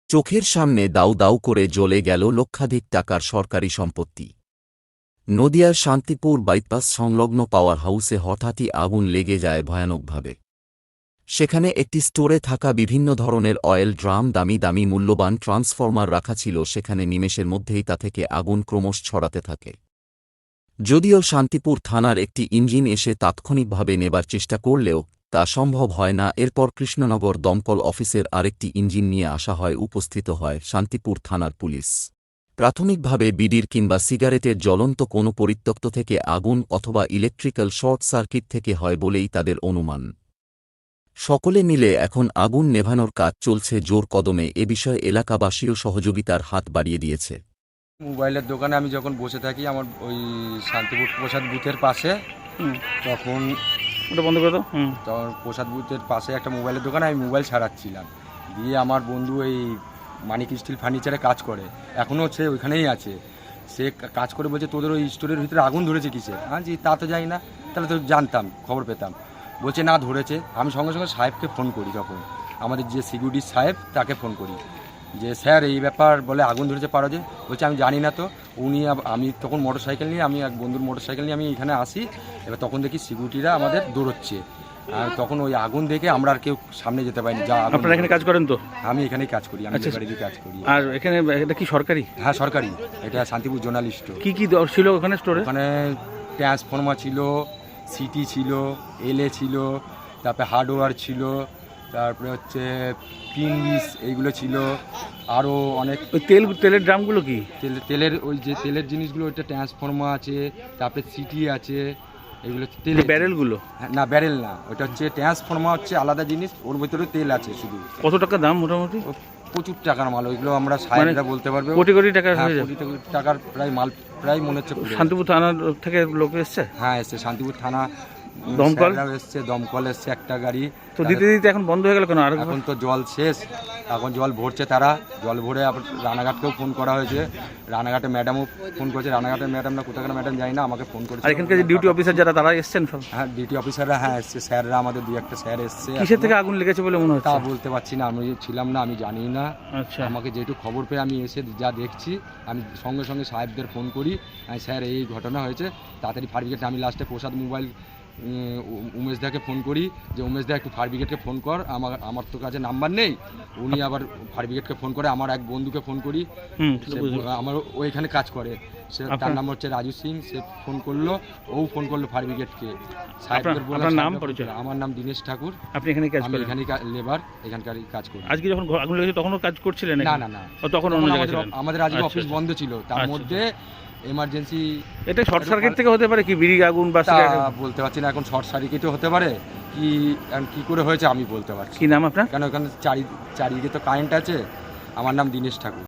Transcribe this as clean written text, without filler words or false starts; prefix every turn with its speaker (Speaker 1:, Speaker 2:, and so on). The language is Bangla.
Speaker 1: চোখের সামনে দাউ দাউ করে জ্বলে গেল লক্ষাধিক টাকার সরকারি সম্পত্তি। নদিয়ার শান্তিপুর বাইপাস সংলগ্ন পাওয়ার হাউসে হঠাৎই আগুন লেগে যায় ভয়ানকভাবে। সেখানে একটি স্টোরে থাকা বিভিন্ন ধরনের অয়েল ড্রাম, দামি দামি মূল্যবান ট্রান্সফরমার রাখা ছিল। সেখানে নিমেষের মধ্যেই তা থেকে আগুন ক্রমশ ছড়াতে থাকে। যদিও শান্তিপুর থানার একটি ইঞ্জিন এসে তাৎক্ষণিকভাবে নেবার চেষ্টা করলেও তা সম্ভব হয় না। এরপর কৃষ্ণনগর দমকল অফিসের আরেকটি ইঞ্জিন নিয়ে আসা হয়। উপস্থিত হয় শান্তিপুর থানার পুলিশ। প্রাথমিকভাবে বিড়ির কিংবা সিগারেটের জ্বলন্ত কোনো পরিত্যক্ত থেকে আগুন অথবা ইলেকট্রিক্যাল শর্ট সার্কিট থেকে হয় বলেই তাদের অনুমান। সকলে মিলে এখন আগুন নেভানোর কাজ চলছে জোর কদমে। এ বিষয়ে এলাকাবাসীও সহযোগিতার হাত বাড়িয়ে দিয়েছে।
Speaker 2: মোবাইলের দোকানে আমি যখন বসে থাকি আমার ওই শান্তিপুর প্রসাদ বুথের পাশে, তখন
Speaker 3: ওটা বন্ধ করে দাও।
Speaker 2: তখন প্রসাদ বুথের পাশে একটা মোবাইলের দোকানে আমি মোবাইল ছাড়াচ্ছিলাম। দিয়ে আমার বন্ধু এই মানিক স্টিল ফার্নিচারে কাজ করে, এখনও সে ওইখানেই আছে। সে কাজ করে বলছে তোদের ওই স্টোরের ভিতরে আগুন ধরেছে কিসে? জি তা তো জানি না, তাহলে তো জানতাম, খবর পেতাম। বলছে না ধরেছে। আমি সঙ্গে সঙ্গে সাহেবকে ফোন করি, তখন আমাদের যে সিকিউরিটি সাহেব তাকে ফোন করি যে স্যার এই ব্যাপার, বলে আগুন ধরেছে পারো যে। বলছে আমি জানি না তো। উনি আমি তখন মোটরসাইকেল নিয়ে, আমি এক বন্ধুর মোটরসাইকেল নিয়ে আমি এখানে আসি। এবার তখন দেখি সিকিউরিটিরা আমাদের দৌড়চ্ছে। আর তখন ওই আগুন দেখে আমরা আর কেউ সামনে যেতে পারিনি। যা
Speaker 3: আপনারা এখানে কাজ করেন তো?
Speaker 2: আমি এখানেই কাজ করি, আমি বাড়িতে কাজ করি।
Speaker 3: আর এখানে এটা কি সরকারি?
Speaker 2: হ্যাঁ সরকারি, এটা শান্তিপুর জোনাল স্টোর।
Speaker 3: কি কি ছিল ওখানে স্টোরে?
Speaker 2: ওখানে ট্রান্সফর্মার ছিল, সিটি ছিল, এলএ ছিল, তারপরে হার্ডওয়্যার ছিল, তারপরে হচ্ছে পিনবিস এইগুলো ছিল, আরও অনেক।
Speaker 3: ওই তেলের ড্রামগুলো কি?
Speaker 2: তেলের ওই যে তেলের জিনিসগুলো, ওইটা ট্রান্সফর্মার আছে, তারপরে সিটি আছে, এগুলো তেলের
Speaker 3: ব্যারেলগুলো?
Speaker 2: না ব্যারেল না, ওটা হচ্ছে ট্রান্সফর্মার, হচ্ছে আলাদা জিনিস, ওর ভিতরে তেল আছে শুধু।
Speaker 3: কত টাকা দাম মোটামুটি?
Speaker 2: প্রচুর টাকার মাল, ওইগুলো আমরা সাহেবরা বলতে পারবে।
Speaker 3: কোটি কোটি টাকার হয়ে যাবে।
Speaker 2: কোটি টাকার প্রায় মাল, প্রায় মনে হচ্ছে।
Speaker 3: শান্তিপুর থানার থেকে লোক এসছে?
Speaker 2: হ্যাঁ এসছে, শান্তিপুর থানা
Speaker 3: দমকল
Speaker 2: এসছে, দমকল এসছে একটা গাড়ি।
Speaker 3: তো দিতে দিতে এখন বন্ধ হয়ে গেল কেন? আর
Speaker 2: এখন তো জল শেষ, এখন জল ভরছে তারা। জল ভরে আবার রানাঘাটকেও ফোন করা হয়েছে, রানাঘাটে ম্যাডামও ফোন করেছে। রানাঘাটের ম্যাডাম না কোথাকার ম্যাডাম জানি না, আমাকে ফোন করেছে।
Speaker 3: আর এখানকার যে ডিউটি অফিসার যারা, তারা এসছেন সব?
Speaker 2: হ্যাঁ ডিউটি অফিসাররা হ্যাঁ এসছে, স্যাররা আমাদের দুই একটা স্যার এসছে।
Speaker 3: কিসের থেকে আগুন লেগেছে বলে মনে হচ্ছে?
Speaker 2: তা বলতে পারছি না, আমি ছিলাম না, আমি জানি না।
Speaker 3: আচ্ছা,
Speaker 2: আমাকে যেটু খবর পেয়ে আমি এসে যা দেখছি, আমি সঙ্গে সঙ্গে সাহেবদের ফোন করি, স্যার এই ঘটনা হয়েছে, তাড়াতাড়ি ফায়ার ব্রিগেড। আমি লাস্টে প্রসাদ মোবাইল উমেশদাকে ফোন করি যে উমেশদা একটু ফায়ার ব্রিগেডকে ফোন কর, আমার তো কাছে নাম্বার নেই। উনি আবার ফায়ার ব্রিগেডকে ফোন করে, আমার এক বন্ধুকে ফোন করি, আমার ওইখানে কাজ করে, সে তার নাম হচ্ছে রাজু সিং। সে ফোন করলো, ও ফোন করলো ফায়ার ব্রিগেডকে। আমার নাম দীনেশ ঠাকুর।
Speaker 3: আপনি এখানে কাজ করেন?
Speaker 2: এখানে লেবার, এখানকারই কাজ করি।
Speaker 3: আজকে যখন আগুন লেগেছে তখনও কাজ করছিলেন?
Speaker 2: না না না,
Speaker 3: তখন
Speaker 2: আমাদের আজকে অফিস বন্ধ ছিল, তার মধ্যে এমার্জেন্সি।
Speaker 3: এটা শর্ট সার্কিট থেকে হতে পারে কি, বিড়ি আগুন বা
Speaker 2: বলতে পারছি না। এখন শর্ট সার্কিটও হতে পারে, কি করে হয়েছে আমি বলতে পারছি।
Speaker 3: কি নাম আপনার?
Speaker 2: কেন ওখানে চারিদিকে তো কারেন্ট আছে। আমার নাম দীনেশ ঠাকুর।